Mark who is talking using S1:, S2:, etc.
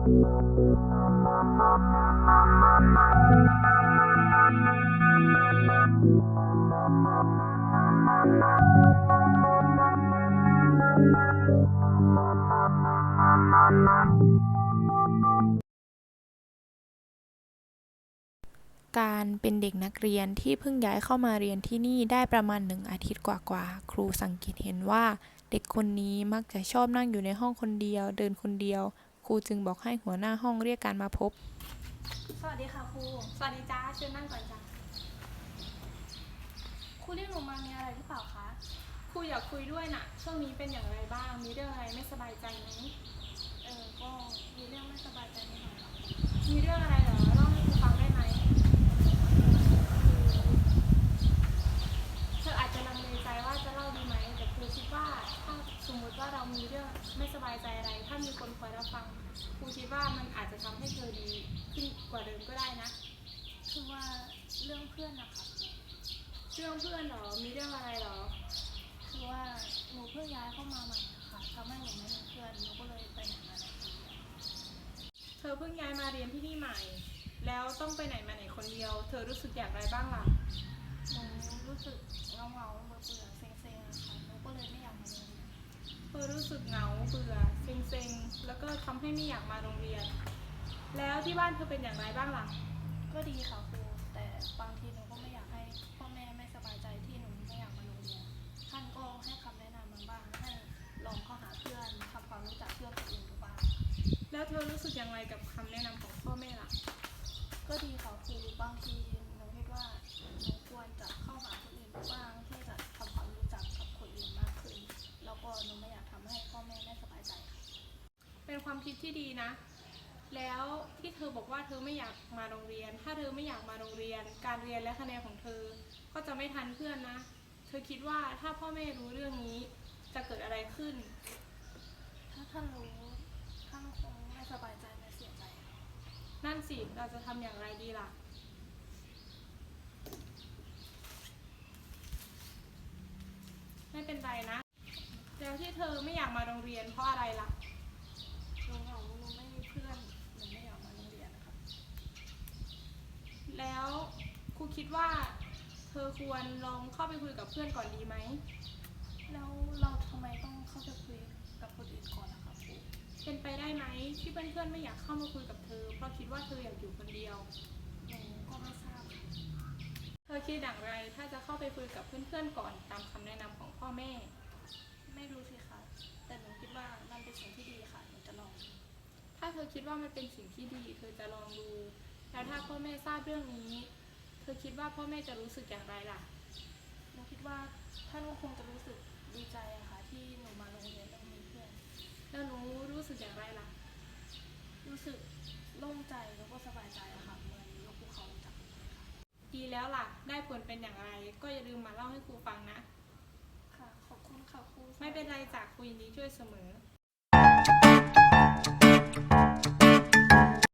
S1: การเป็นเด็กนักเรียนที่เพิ่งย้ายเข้ามาเรียนที่นี่ได้ประมาณ1 อาทิตย์กว่าๆครูสังเกตเห็นว่าเด็กคนนี้มักจะชอบนั่งอยู่ในห้องคนเดียวเดินคนเดียวครูจึงบอกให้หัวหน้าห้องเรียกการมาพบ
S2: สวัสดีค่ะครู
S3: สวัสดีจ้าเชิญนั่งก่อนจ้า
S2: ครูเรียกหนูมามีอะไรหรือเปล่าคะ
S3: ครูอยากคุยด้วยน่ะช่วงนี้เป็นอย่างไรบ้างมีเรื่องอะไรไม่สบายใจไหม
S2: ก็มีเรื่องไม่สบายใจนิดหน่อยค่ะ
S3: มีเรื่องอะไรเหรอเล่าให้ครูฟังได้ไหมเธออาจจะลังเลใจว่าจะเล่าดีไหมแต่ครูคิดว่าถ้าสมมติว่าเรามีเรื่องไม่สบายใจอะไรถ้ามีคนคอยรับฟังครูคิดว่ามันอาจจะทำให้เธอดีขึ้นกว่าเดิมก็ได้นะ
S2: คือว่าเรื่องเพื่อนนะคะ
S3: เรื่องเพื่อนเหรอมีเรื่องอะไรเหรอ
S2: คือว่าหนูเพิ่งย้ายเข้ามาใหม่ค่ะทำให้หนูไม่มีเพื่อนหนูก็เลยไปไหนมาไหน
S3: เธอเพิ่งย้ายมาเรียนที่นี่ใหม่แล้วต้องไปไหนมาไหนคนเดียวเธอรู้สึกอย่างไรบ้างล่ะ
S2: หนูรู้สึกเงาเบื่อเซ็งๆค่ะหนูก็เลยไม่อยากมาโรงเรียน
S3: เธอรู้สึกเหงาเบื่อเซ็งๆแล้วก็ทำให้ไม่อยากมาโรงเรียนแล้วที่บ้านเธอเป็นอย่างไรบ้างล่ะ
S2: ก็ดีค่ะครูแต่บางทีหนูก็ไม่อยากให้พ่อแม่ไม่สบายใจที่หนูไม่อยากมาโรงเรียนท่านก็ให้คำแนะนำมาบ้างให้ลองเข้าหาเพื่อนทำความรู้จักเพื่อนคนอื่นดูบ้าง
S3: แล้วเธอรู้สึกอย่างไรกับคำแนะนำของพ่อแม่ล่ะ
S2: ก็ดีค่ะครูบางทีหนูคิดว่าหนูควรจะเข้าหาคนอื่นบ้างที่จะทำความรู้จักกับคนอื่นมากขึ้นแล้วก็หนูไม่อยากทำให้พ่อแม่ไม่สบายใจค่ะ
S3: เป็นความคิดที่ดีนะแล้วที่เธอบอกว่าเธอไม่อยากมาโรงเรียนถ้าเธอไม่อยากมาโรงเรียนการเรียนและคะแนนของเธอก็จะไม่ทันเพื่อนนะเธอคิดว่าถ้าพ่อแม่รู้เรื่องนี้จะเกิดอะไรขึ้น
S2: ถ้าท่านรู้ท่านคงไม่สบายใจและเสียใจ
S3: นั่นสิเราจะทำอย่างไรดีล่ะไม่เป็นไรนะแล้วที่เธอไม่อยากมาโรงเรียนเพราะอะไรล่ะ
S2: หนูเหงาหนูไม่มีเพื่อนหนูไม่อยากมาโรงเรียนนะคะ
S3: แล้วครูคิดว่าเธอควรลองเข้าไปคุยกับเพื่อนก่อนดีไหม
S2: แล้วเราทำไมต้องเข้าไปคุยกับคนอื่นก่อนนะคะครู
S3: เป็นไปได้ไหมที่เพื่อนๆไม่อยากเข้ามาคุยกับเธอเพราะคิดว่าเธออยากอยู่คนเดียว
S2: หนูก็ไม่ทราบ
S3: เธอคิดอย่างไรถ้าจะเข้าไปคุยกับเพื่อนๆก่อนตามคำแนะนำของพ่อแม่
S2: ไม่รู้สิคะแต่หนูคิดว่ามันเป็นสิ่งที่ดีค่ะหนูจะลอง
S3: ถ้าเธอคิดว่ามันเป็นสิ่งที่ดีเธอจะลองดูแล้วถ้าพ่อแม่ทราบเรื่องนี้เธอคิดว่าพ่อแม่จะรู้สึกอย่างไรล่ะ
S2: หนูคิดว่าท่านก็คงจะรู้สึกดีใจอะค่ะที่หนูมาโรงเรียนแล้วมีเพื่อน
S3: แล้วหนูรู้สึกอย่างไรล่ะ
S2: รู้สึกโล่งใจแล้วก็สบายใจอะค่ะเหมือนยกภูเขาจากอกเลยค่ะ
S3: ดีแล้วล่ะได้ผลเป็นอย่างไรก็อย่าลืมมาเล่าให้ครูฟังนะ
S2: ค่ะขอบคุณค่ะครู
S3: ไม่เป็นไรจากครูยินดีช่วยเสมอ